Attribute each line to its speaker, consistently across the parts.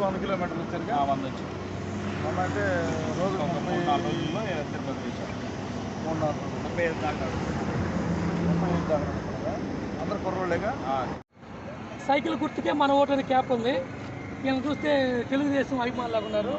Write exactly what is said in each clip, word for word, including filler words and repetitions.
Speaker 1: వంద కిలోమీటర్లు వచ్చారుగా
Speaker 2: వంద వచ్చి
Speaker 1: వంద అంటే రోజు
Speaker 2: మూడు నాలుగు రోజుల్లో తిరుపతి వచ్చారు.
Speaker 1: మూడు నాలుగు రోజులు
Speaker 2: ముప్పై ఐదు దాకా
Speaker 1: ముప్పై ఐదు దాకా నడుస్తున్నారా? అందరు కుర్రోళ్ళేగా.
Speaker 3: సైకిల్ గుర్తుకే మన ఓటు అనే క్యాప్ ఉంది. ఈయన చూస్తే తెలుగుదేశం అభిమానులాగా ఉన్నారు.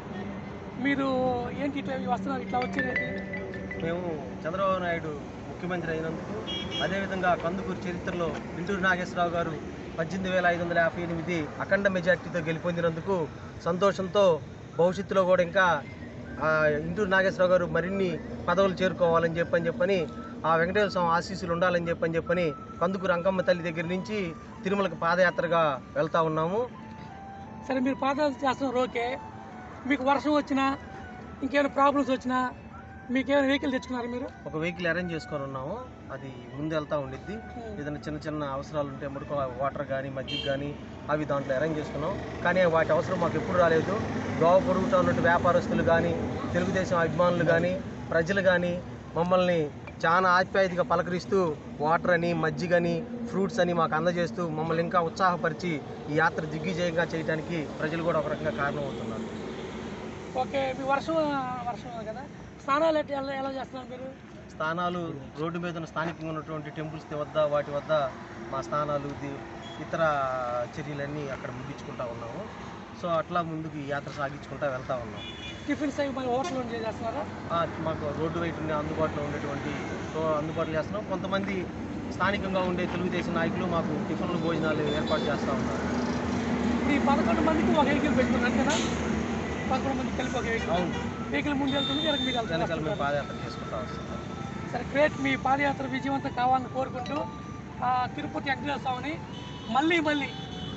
Speaker 3: మీరు ఏంటి ఇట్లా వస్తున్నారు, ఇట్లా వచ్చేది?
Speaker 4: మేము చంద్రబాబు నాయుడు ముఖ్యమంత్రి అయినందుకు, అదేవిధంగా కందుకూరు చరిత్రలో ఇంటూరు నాగేశ్వరరావు గారు పద్దెనిమిది వేల ఐదు వందల యాభై ఎనిమిది అఖండ మెజార్టీతో గెలుపొందినందుకు సంతోషంతో భవిష్యత్తులో కూడా ఇంకా ఇంటూరు నాగేశ్వరరావు గారు మరిన్ని పదవులు చేరుకోవాలని చెప్పని చెప్పని ఆ వెంకటేశ్వర స్వామి ఆశీస్సులు ఉండాలని చెప్పని చెప్పని కందుకూరు అంకమ్మ తల్లి దగ్గర నుంచి తిరుమలకు పాదయాత్రగా వెళ్తూ ఉన్నాము.
Speaker 3: సరే, మీరు పాదయాత్ర చేస్తున్నారు, ఓకే. మీకు వర్షం వచ్చినా ఇంకేమైనా ప్రాబ్లమ్స్ వచ్చినా మీకేమైనా వెహికల్ తెచ్చుకున్నారు? మీరు
Speaker 4: ఒక వెహికల్ అరేంజ్ చేసుకొని ఉన్నాము, అది ముందు వెళ్తూ ఉండిద్ది. ఏదైనా చిన్న చిన్న అవసరాలు ఉంటే ముడుకు వాటర్ కానీ మజ్జిగ కానీ అవి దాంట్లో అరేంజ్ చేసుకున్నాం. కానీ వాటి అవసరం మాకు ఎప్పుడు రాలేదు. దోవ పొరుగుతూ ఉన్నట్టు వ్యాపారస్తులు కానీ, తెలుగుదేశం అభిమానులు కానీ, ప్రజలు కానీ మమ్మల్ని చాలా ఆప్యాయతగా పలకరిస్తూ వాటర్ అని మజ్జిగని ఫ్రూట్స్ అని మాకు అందజేస్తూ మమ్మల్ని ఇంకా ఉత్సాహపరిచి ఈ యాత్ర దిగ్విజయంగా చేయడానికి ప్రజలు కూడా ఒక రకంగా కారణమవుతున్నారు.
Speaker 3: ఓకే, మీ వర్షం వర్షం కదా, స్నానాలు ఎట్లా ఎలా ఎలా చేస్తున్నారు మీరు?
Speaker 4: స్థానాలు రోడ్డు మీద ఉన్న స్థానికంగా ఉన్నటువంటి టెంపుల్స్ వద్ద వాటి వద్ద మా స్థానాలు ఇతర చర్యలన్నీ అక్కడ ముగించుకుంటూ ఉన్నాము. సో అట్లా ముందుకు ఈ యాత్ర సాగించుకుంటూ వెళ్తూ ఉన్నాం.
Speaker 3: టిఫిన్స్ అవి మరి హోటల్ నుంచి చేస్తున్నారా?
Speaker 4: మాకు రోడ్డు బయట ఉండే అందుబాటులో ఉండేటువంటి అందుబాటులో చేస్తున్నాం. కొంతమంది స్థానికంగా ఉండే తెలుగుదేశం నాయకులు మాకు టిఫిన్లు భోజనాలు ఏర్పాటు చేస్తూ ఉన్నారు.
Speaker 3: ఈ పదకొండు మందికి ఒక వెహికల్ పెట్టుకున్నారు కదా, పదకొండు మంది కలిపి ఒక వెహికల్. అవును, వెహికల్ ముందు వెళ్తుంది, వెనక మీరు
Speaker 4: వెనకాల మేము పాదయాత్ర చేసుకుంటూ వస్తున్నాం.
Speaker 3: సరే, గ్రేట్. మీ పాదయాత్ర విజయవంతం కావాలని కోరుకుంటూ తిరుపతి వెంకటేశ్వర స్వామిని మళ్ళీ మళ్ళీ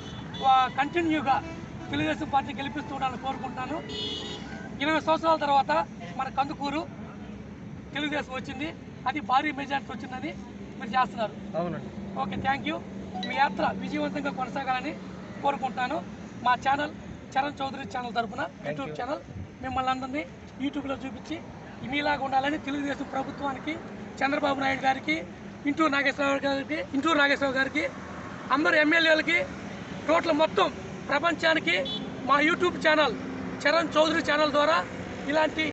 Speaker 3: కంటిన్యూగా తెలుగుదేశం పార్టీ గెలిపిస్తూ ఉండాలని కోరుకుంటున్నాను. ఇరవై సంవత్సరాల తర్వాత మన కందుకూరు తెలుగుదేశం వచ్చింది, అది భారీ మెజార్టీ వచ్చిందని మీరు చేస్తున్నారు.
Speaker 4: అవునండి.
Speaker 3: Okay, thank you. మీ యాత్ర విజయవంతంగా కొనసాగాలని కోరుకుంటున్నాను. మా ఛానల్ చరణ్ చౌదరి ఛానల్ తరఫున యూట్యూబ్ ఛానల్ మిమ్మల్ని అందరినీ యూట్యూబ్లో చూపించి మీలాగా ఉండాలని తెలుగుదేశం ప్రభుత్వానికి, చంద్రబాబు నాయుడు గారికి, ఇంటూరు నాగేశ్వరరావు గారికి ఇంటూరు నాగేశ్వరరావు గారికి అందరు ఎమ్మెల్యేలకి టోటల్ మొత్తం ప్రపంచానికి మా YouTube channel Charan Chowdary channel ద్వారా ఇలాంటి